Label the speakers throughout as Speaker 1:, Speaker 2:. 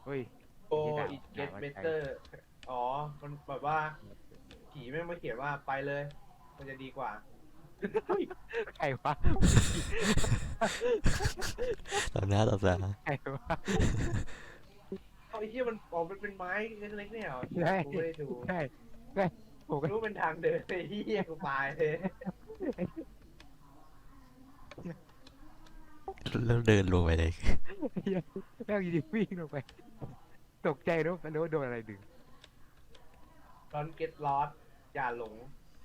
Speaker 1: เฮ้ย
Speaker 2: โออิเกตเบเตอร์อ๋อมันแบบว่าผีแม่งมาเขียนว่าไปเลยมันจะดีกว่า
Speaker 1: ใครวะ
Speaker 3: ต่อหน้าต่อตา
Speaker 1: ใครวะ
Speaker 2: เอาไอ้ที่มันออกมันเป็นไม้เล็กๆเนี่ยเหรอ
Speaker 1: ใช่
Speaker 2: กูไม่ได้ดู
Speaker 1: ใช่ใช่ผมก็
Speaker 2: รู้เป็นทางเดินไอ้ที่กูตายเลย
Speaker 3: แล้วเดินลงไปเลย
Speaker 1: แม่งยิงวิ่งลงไปตกใจนึกว่าโดนอะไรดึง
Speaker 2: ร้อนเก็ตลอสอย่าหลง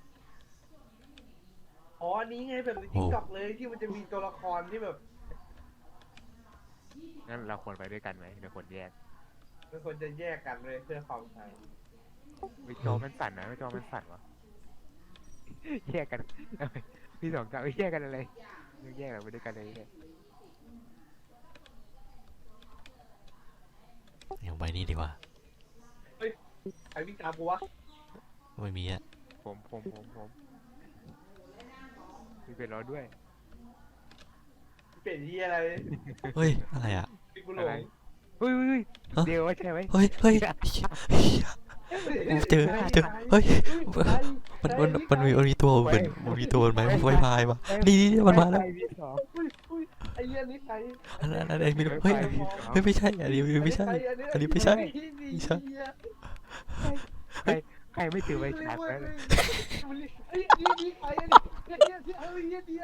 Speaker 2: อ๋ออันนี้ไงแบบใน
Speaker 3: โอ้
Speaker 2: ทิกตอกเลยที่มันจะมีตัวละครที่แบบ
Speaker 1: งั้นเราควรไปด้วยกันไหมเดี๋ยวคนแยก
Speaker 2: มันควรจะแยกกันเลยเพื่อความใส่
Speaker 1: ไม่จอมันสั่นนะไม่จอมันสั่นวะแยกกันพี่สองจะแยกกันอะไรแยกเราไปด้วยกันเลยเนี่ย
Speaker 3: อย่างไปนี่ดีกว่า
Speaker 2: ใครวิ่งตามกูวะ
Speaker 3: ไม่มีอะ
Speaker 1: ผมมีเป็นรอด้วย
Speaker 2: เปลี่ยนที่อะไร
Speaker 3: เฮ้ยอะไรอะ
Speaker 2: พี่กูหล
Speaker 1: อะไร
Speaker 2: ง
Speaker 1: เฮ้ยเดี๋ยวว่าใช่ไหม
Speaker 3: เฮ้ยเฮ้ยเจอเฮ้ยมันมีตัวเหมือนมันมีตัวเหมือนไม้ไฟพายมานี่มันมาแล้ว
Speaker 1: พี่สอง
Speaker 2: อุ้ยไอ้เหี้ยนี่ใคร
Speaker 3: อะไรไม่รู้เฮ้ยเฮ้ยไม่ใช่อันนี้ไม่ใช่อันนี้ไม่ใช่ไม่ใช่
Speaker 1: ใครไม่ถือไว้ฉาก
Speaker 2: แล้
Speaker 1: แล้ว ว
Speaker 2: ไอ้นี่ใครอันนี้ไอ้เหี้ย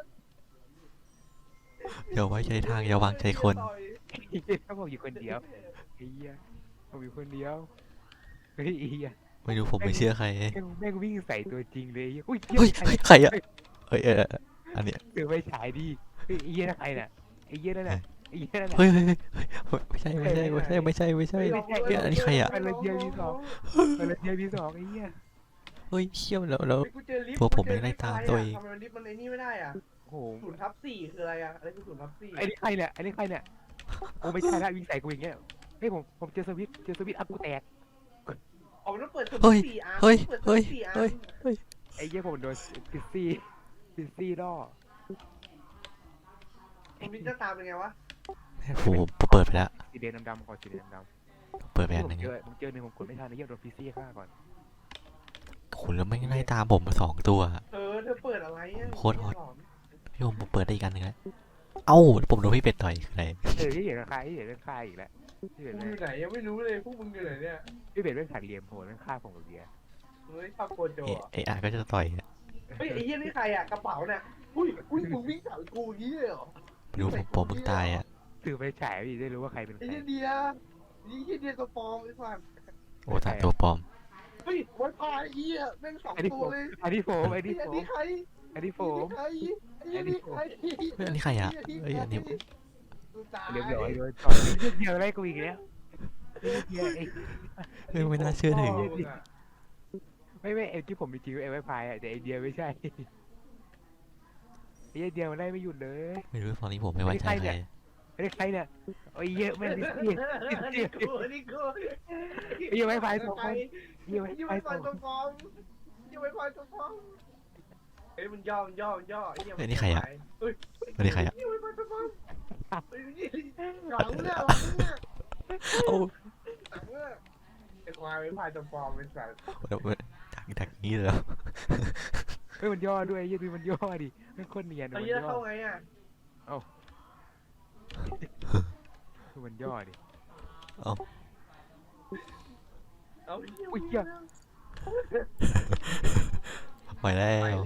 Speaker 3: อย่าไว้ใจทางอย่าวางใจคน
Speaker 1: ถ้าผมอยู่คนเดียวไอ้เหี้ยผมอยู่คนเดียวเฮ้ยไอ้เหี้ย
Speaker 3: ไม่รู้ผมไม่เชื่อใคร
Speaker 1: แม่งวิ่งใส่ตัวจริงเลยอุ้ย
Speaker 3: เฮ้ยใครอะเฮ้ยอันเนี้ย
Speaker 1: ถือไว้ฉายดีเฮ้ยไอ้เหี้ยนั่นใครน่ะไอ้เหี้ยนั่นน่ะไอ้เหี้ยนั่นน่ะ
Speaker 3: เฮ้ยไม่ใช่เฮ้ยอันนี้ใครอะ
Speaker 1: มันเลยเดียวพี่สองไอ้เหี้ย
Speaker 3: เฮ้ยเชี่ยวแล้ว
Speaker 2: กูเจอลิฟต์
Speaker 3: ตัวผมไม่ได้ตามตัวเอง
Speaker 2: ทำไมลิฟต์มันไอ้นี่ไม่ได้อ่ะ
Speaker 1: โอ้โห
Speaker 2: 0/4คืออะไรอ่ะอะไรคือ0/4
Speaker 1: ไอ้นี่ใครเนี่ยโอ้ไม่ใช่ละวิ่งใส่กูอย่างเงี้ยเฮ้ยผมเจอสวิตอัพกูแตก
Speaker 2: อ๋อมันต้องเปิด
Speaker 3: เฮ้ย
Speaker 2: 0/4อัน
Speaker 3: เฮ้ย
Speaker 2: เปิด
Speaker 3: เฮ้ย
Speaker 2: 0/4อัน
Speaker 3: เฮ้ย
Speaker 1: ไอ้เหี้ยผมโดนพิซซี่ล่อ
Speaker 2: ตรงนี้จะตามเป็นไงวะ
Speaker 3: โอ้โหเปิดไปแล้ว
Speaker 1: สีแดงดำๆขอสีแดงดำ
Speaker 3: เปิดไป
Speaker 1: ๆ
Speaker 3: อันหนึง
Speaker 1: ผมเจอหนึ่งผมกดไม่ทันไอ้เหี้ยโดนพิซซี่ฆ่าก่อน
Speaker 3: คุณแล้วไม่ไล่ตามผมมา2 ตัว
Speaker 2: เธอเปิดอะไรอ่ะ
Speaker 3: โคตรฮอต พี่ผมเปิดได้อีกอันหนึงแล้วเอ้าผมโดนพี่เป็ดต่อยอะไร
Speaker 1: ที่เห็นใครอีกแล้วที่เห็น
Speaker 2: กูอยู่ไหนยังไม่รู้เลยพวกมึงอยู่ไหนเนี่ย
Speaker 1: พี่เบสเป็นขัดเหลี่ยมโหดมันฆ่าผมกับเบียร์
Speaker 2: เฮ้ยชอบโกโจอ่ะ
Speaker 3: ไอ้อาก็จะต่อย
Speaker 2: เฮ้ยไอ้เหี้ยนี่ใครอ่ะกระเป๋าเนี่ยอุ้ยมึงวิ่งตามกูอย่างนี้เลยเหรอ
Speaker 3: ไม่รู้ผมมึงตายอ่ะ
Speaker 1: ถือไปฉายพี่ได้รู้ว่าใครเป็นใค
Speaker 2: ไอ้
Speaker 1: ร
Speaker 2: เหี้ยเดียตัวปลอมไอ้สัส
Speaker 3: โอ้ตายตัวปลอม
Speaker 2: เฮ้ยไวไฟไอ้เหี้ยแม่ง2 ตัวเลย
Speaker 1: อันนี้ผม
Speaker 2: ไอ้นี่ใคร
Speaker 1: อันนี้ผม
Speaker 2: ไอ้นี่ใคร
Speaker 3: เฮ้ยอันนี้ใครอ่ะเฮ้ยอันนี้
Speaker 1: เรียบร้อยโดนต่อยเดียวอะไรกูอีกแล้วเดียวไอ้
Speaker 3: เฮ้ยไม่น่าเชื่อถือ
Speaker 1: ไม่ไอ้ที่ผมมีจริงไอ้ไวไฟอ่ะแต่ไอเดียไม่ใช่ไอ้เดียมันได้ไม่หยุดเลย
Speaker 3: ไม่รู้ตอนนี้ผมไม่ไว้ใจใคร
Speaker 1: ไอ้ใครเนี่ยโอ้ยเยอะแม่ดิซี่
Speaker 2: นี่กู
Speaker 1: ไอ้ไวไฟสองคนไอ้ไว
Speaker 2: ยี่
Speaker 1: ไฟ
Speaker 2: ไวไฟ
Speaker 1: สอง
Speaker 2: ตัวปลอมยี่ไวไฟตัวปลอมเฮ้ยมันย่อไอ้เหี้ย
Speaker 3: เฮ้ยนี่ใครอ่ะ
Speaker 2: เฮ้ย
Speaker 3: อันนี้ใครอ่ะ
Speaker 2: ยี่ไวไฟตัวปลอมเฮ้ยหลังเนี่ย
Speaker 3: โอ้
Speaker 2: หลังเนี่ยไอ้ควายไวไฟตัวปลอมเป็นสัตว์
Speaker 3: ดักนี้เลย
Speaker 1: เฮ้ยมันย่อด้วยยืดมันย่อดิมันโคตรเนียน
Speaker 2: ตอน
Speaker 1: มัน
Speaker 2: นี้
Speaker 1: ย่
Speaker 2: เข้า
Speaker 1: อ
Speaker 2: ไงอ่ะ
Speaker 1: คือมันย่อดิ
Speaker 3: เอ้า
Speaker 2: เอา
Speaker 1: อุ้ยเหี้ย
Speaker 3: ไปแล้ว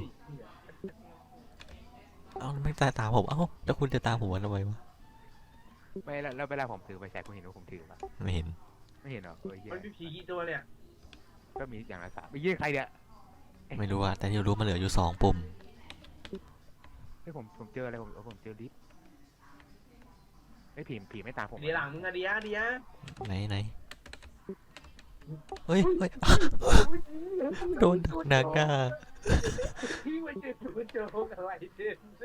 Speaker 3: เอ้าไม่ตามผมเอ้าแล้วคุณจะตามผมทำไมวะ
Speaker 1: ไม่แล้วเวลาผมถือไปแชร์คุณเห็นว่าผมถือปะ
Speaker 3: ไม่เห็น
Speaker 1: ไม่เห็นหรอเฮ้ย
Speaker 2: มันมีผีกี่ตัวเนี่ย
Speaker 1: ก็มีอย่างละ3ไอ้ยี่ใครเนี่ย
Speaker 3: ไม่รู้อ่ะแต่ที่รู้มันเหลืออยู่2 ปุ่ม
Speaker 1: เฮ้ยผมเจออะไรผมเจอลิฟต์ไอ้ผีไม่ตามผม
Speaker 2: เดี๋ยวหลังมึงอะเดีย
Speaker 3: ไหนเฮ้ยโดนดักหน้า
Speaker 2: พี่มาเจอกูเจออะไรเด่นสิ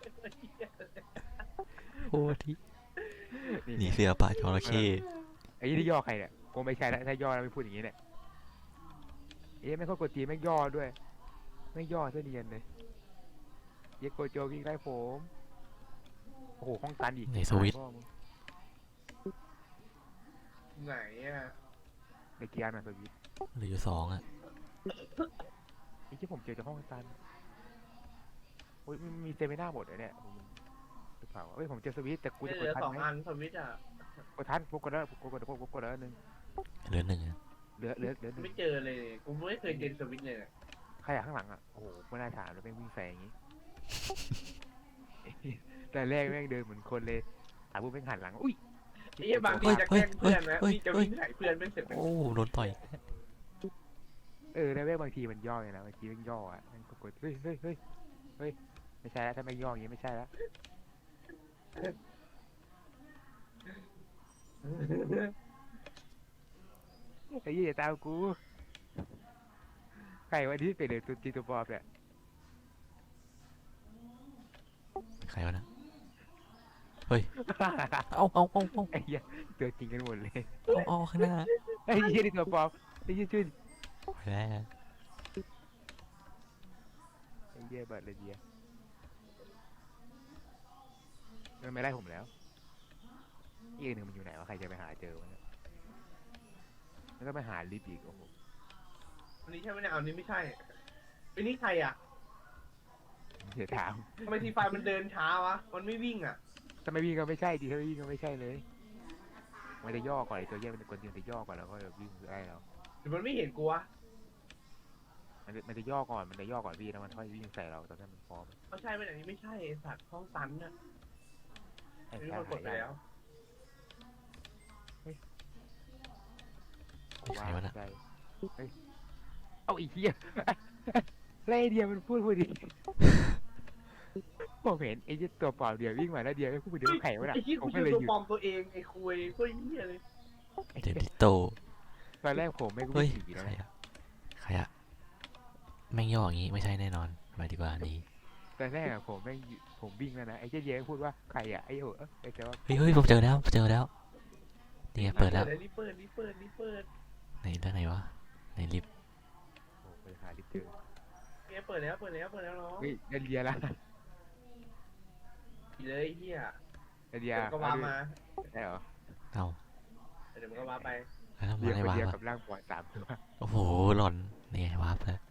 Speaker 3: โอ้ที่หนีเสือป่าจระเข้
Speaker 1: ไอ้ยี่ที่ย่อใครเนี่ยกูไม่ใช่แล้วถ้าย่อแล้วไม่พูดอย่างนี้เนี่ยไม่ค่อยกดจีไม่ย่อด้วยไม่ย่อซะเนียนเลยเยโกโจวิ่งไล่ผมโอ้โหห้องตันอีก
Speaker 3: ในสวิตช์
Speaker 2: ไหนอ่ะ
Speaker 1: ในเกียร์นะสวิตช์
Speaker 3: เหลืออยู่2อ่ะ
Speaker 1: ไอ้ที่ผมเจอจากห้องตันโอ้ยมันมีเซมิน่าหมดเลยเนี่ยหรือเปล่าเอ้ยผมเจอสวิตช์แต่กู
Speaker 2: ไม่
Speaker 1: จะ
Speaker 2: เห
Speaker 1: ก
Speaker 2: ลื
Speaker 1: ด
Speaker 2: อ
Speaker 1: ทัน
Speaker 2: สอง
Speaker 1: ไหม
Speaker 2: อันสวิตช์อ่ะ
Speaker 1: กดทันกูกดแล้วกูกดแล้วนึง
Speaker 3: เหลือ1อ่ะ
Speaker 1: เหลือหนึ่ง
Speaker 2: ไม่เจอเลยกูไม่เคยเจอสวิตช์เลยเนี่ย
Speaker 1: ใครอะข้างหลังอ่ะโอ้โหไม่น่าถามเลยแม่งวิ่งแซงอย่างงี้ แต่แรกแม่งเดินเหมือนคนเลยพูดแม่งหันหลังอุ้ย
Speaker 2: ไอ้เหี้ยบางทีจะแกล้งเพื่อนนะนี่จะวิ่งใส่เพื่อนไม่เสร็จเลย
Speaker 3: โอ้โดนต่อย
Speaker 1: แล้วแม่งบางทีมันย่อไงนะบางทีแม่งย่ออ่ะแม่งกดเฮ้ยไม่ใช่แล้วถ้าแม่งย่ออย่างงี้ไม่ใช่แล้วไอ้ยี่อย่าตามกูใครวันนี้เป็นเลยตัวจริงตัวปลอมเนี่ย
Speaker 3: ใครวะนะเฮ้ยเอา
Speaker 1: ไอ้เหี้ยตัวจริงกันหมดเลย
Speaker 3: เอาข้างหน้า
Speaker 1: ไอ้เหี้ยนี่ตัวปลอมไอ้เหี้ยชื่น
Speaker 3: ไปแล้ว
Speaker 1: ไอ้เหี้ยเบิดเลยเดียมันไม่ไล่ผมแล้วอีกหนึ่งมันอยู่ไหนวะใครจะไปหาเจอวะเนี่ยแล้วก็ไปหาลิฟต์อีกโอ้โห
Speaker 2: อันนี้ใช่ไหมเนี่ยอันนี้ไม่ใช่ไอ้นี่ใครอ่ะ
Speaker 1: เดี๋ยวถาม
Speaker 2: ทำไมทีไฟมันเดินช้าวะมันไม่วิ่งอ่ะ
Speaker 1: ถ้าไม่วิ่งก็ไม่ใช่ดิถ้าไม่วิ่งก็ไม่ใช่เลยมันจะย่อก่อนไอ้ตัวเหี้ยมันจะกดยืนจะย่อก่อนแล้วก็วิ่งไล่เรา
Speaker 2: หรือมันไม่เห็นกูวะ
Speaker 1: มันจะย่อก่อนพี่แล้วมันค่อยวิ่งใส่เราตอนนั้นมันพร้อม
Speaker 2: ไม่ใช่ไม่อันนี้ไม่ใช่ไอ้สัตว์ห้องตันน่ะ
Speaker 1: ไอ้
Speaker 2: อันนี้
Speaker 1: แค่
Speaker 2: มันกดไปแล้ว
Speaker 1: กูว่าใช่เฮ้ยเอาอีกเหี้ยแล้วไอเดียมันพูดดีผมเห็นไอ้เหี้ยตัวเปล่าเดียววิ่งมาแล้วเดียวไม่พูดเดียวไข่วะน่ะ
Speaker 2: ไอ้ที่
Speaker 1: ผ
Speaker 2: กู
Speaker 1: ม
Speaker 2: อ
Speaker 1: ก็
Speaker 2: ยู่
Speaker 1: เลย
Speaker 2: ตัว
Speaker 1: หยุด
Speaker 2: ปลอมตัวเองไอ้คุยก็เหี้ยเลย
Speaker 3: เดบิโต
Speaker 1: ตอนแรกผมไม่รู้
Speaker 3: เฮ้ย
Speaker 1: ผี
Speaker 3: ใค
Speaker 1: นะ
Speaker 3: รอะใครอะแม่งย่ออย่างงี้ไม่ใช่แน่นอนไปดีกว่านี้
Speaker 1: ตอนแรกอะผมวิ่งแล้วนะไอ้เจ๊เย้พูดว่าใครอะไอ้โหไอ้แต่ว่า
Speaker 3: เฮ้ยผมเจอแล้วนี่ไงเปิดแล้ว
Speaker 2: รีบเปิด
Speaker 3: ไหนด้านไหนวะในลิฟต์
Speaker 1: โอ้ไปหาลิฟต์เจอ
Speaker 2: เนี่ยเปิดแล้วน้อง
Speaker 1: เฮ้ยเดนเดียละ
Speaker 2: เลยเหี้ย
Speaker 1: เดนเดีย
Speaker 2: เดี๋ยวก็วามา
Speaker 1: ได้เหรอ
Speaker 3: เอา
Speaker 2: เดี๋ยวมันก็วาไป
Speaker 3: แล้ว
Speaker 1: เดี
Speaker 3: มาย ได้
Speaker 1: คน
Speaker 3: วา
Speaker 1: เดียว
Speaker 3: ร์ป
Speaker 1: กับร่างปล่อย3 ตัว
Speaker 3: โอ้โหหล่อนนี่ไงวาร์ปแล้ว